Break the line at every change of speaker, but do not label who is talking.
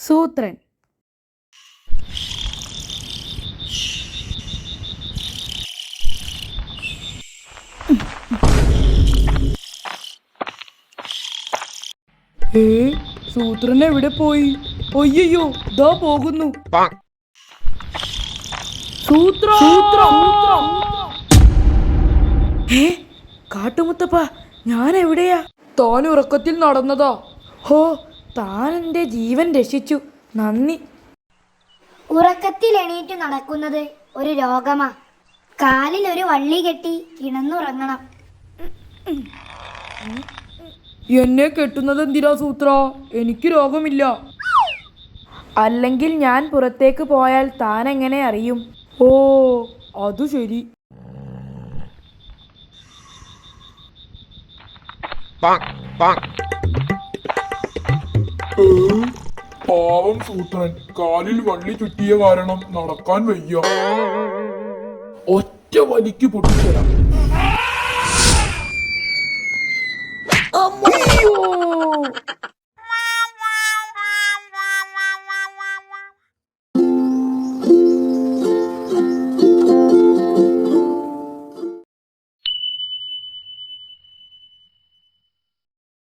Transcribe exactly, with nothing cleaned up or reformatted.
സൂത്രൻ. ഏ സൂത്രൻ എവിടെ പോയി? ഒയ്യോ ദാ പോകുന്നു. സൂത്ര ഏ കാട്ടുമുത്തപ്പ, ഞാൻ എവിടെയാ? താൻ ഉറക്കത്തിൽ നടന്നതാ. ഹോ, താൻ എൻ്റെ ജീവൻ രക്ഷിച്ചു, നന്ദി.
ഉറക്കത്തിൽ എണീറ്റ് നടക്കുന്നത് ഒരു രോഗമാ. കാലിൽ ഒരു വള്ളി കെട്ടി കിടന്നുറങ്ങണം.
എന്നെ കെട്ടുന്നത് എന്തിനാ സൂത്ര? എനിക്ക് രോഗമില്ല. അല്ലെങ്കിൽ ഞാൻ പുറത്തേക്ക് പോയാൽ താൻ എങ്ങനെ അറിയും? ഓ അതു ശരി.
പാവം സൂത്രൻ, കാലിൽ വള്ളി ചുറ്റിയ കാരണം നടക്കാൻ വയ്യ. ഒറ്റ വലിക്ക് പൊട്ടിച്ചരാം.